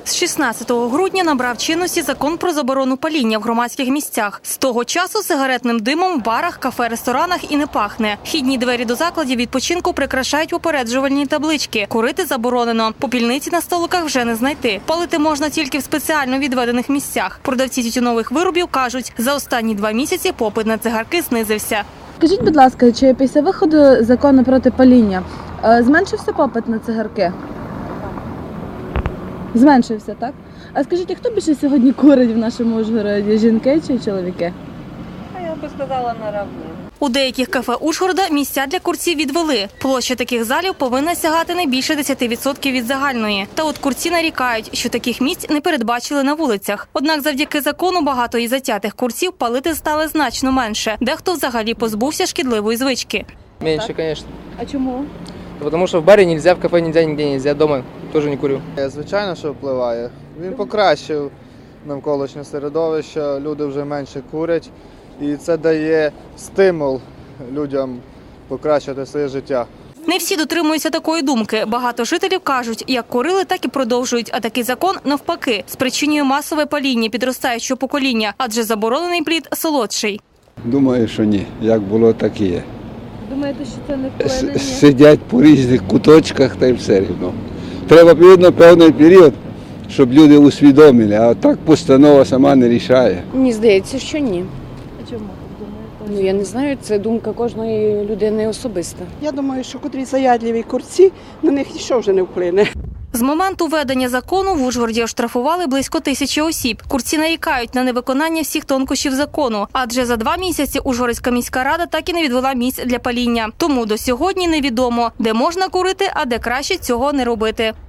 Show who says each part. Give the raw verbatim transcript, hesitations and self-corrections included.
Speaker 1: З шістнадцятого грудня набрав чинності закон про заборону паління в громадських місцях. З того часу сигаретним димом в барах, кафе, ресторанах і не пахне. Вхідні двері до закладів відпочинку прикрашають попереджувальні таблички. Курити заборонено. Попільниці на столиках вже не знайти. Палити можна тільки в спеціально відведених місцях. Продавці тютюнових виробів кажуть, за останні два місяці попит на цигарки знизився.
Speaker 2: Скажіть, будь ласка, чи після виходу закону проти паління зменшився попит на цигарки? Зменшився, так? А скажіть, а хто більше сьогодні курить в нашому Ужгороді? Жінки чи чоловіки?
Speaker 3: А я би сказала, наравну.
Speaker 1: У деяких кафе Ужгорода місця для курців відвели. Площа таких залів повинна сягати не більше десяти відсотків від загальної. Та от курці нарікають, що таких місць не передбачили на вулицях. Однак завдяки закону багато і затятих курців палити стали значно менше. Дехто взагалі позбувся шкідливої звички.
Speaker 4: Меньше, конечно.
Speaker 2: А чому?
Speaker 4: Потому что в баре нельзя, в кафе нельзя, нигде нельзя, дома тоже не курю.
Speaker 5: Звичайно, що впливає. Він покращив навколишнє середовище, люди вже менше курять. І це дає стимул людям покращити своє життя.
Speaker 1: Не всі дотримуються такої думки. Багато жителів кажуть, як курили, так і продовжують. А такий закон, навпаки, спричинює масове паління підростаючого покоління, адже заборонений плід солодший.
Speaker 6: Думаю, що ні. Як було, так і є.
Speaker 2: Думаєте, що це не вплине? Ні?
Speaker 6: Сидять по різних куточках та й все рівно. Треба, відповідно, певний період, щоб люди усвідомили, а так постанова сама не рішає.
Speaker 7: Мені здається, що ні.
Speaker 2: А чому?
Speaker 7: Ну, я не знаю, це думка кожної людини особиста.
Speaker 3: Я думаю, що котрі заядливі курці, на них нічого вже не вплине.
Speaker 1: З моменту введення закону в Ужгороді оштрафували близько тисячі осіб. Курці нарікають на невиконання всіх тонкощів закону, адже за два місяці Ужгородська міська рада так і не відвела місць для паління. Тому до сьогодні невідомо, де можна курити, а де краще цього не робити.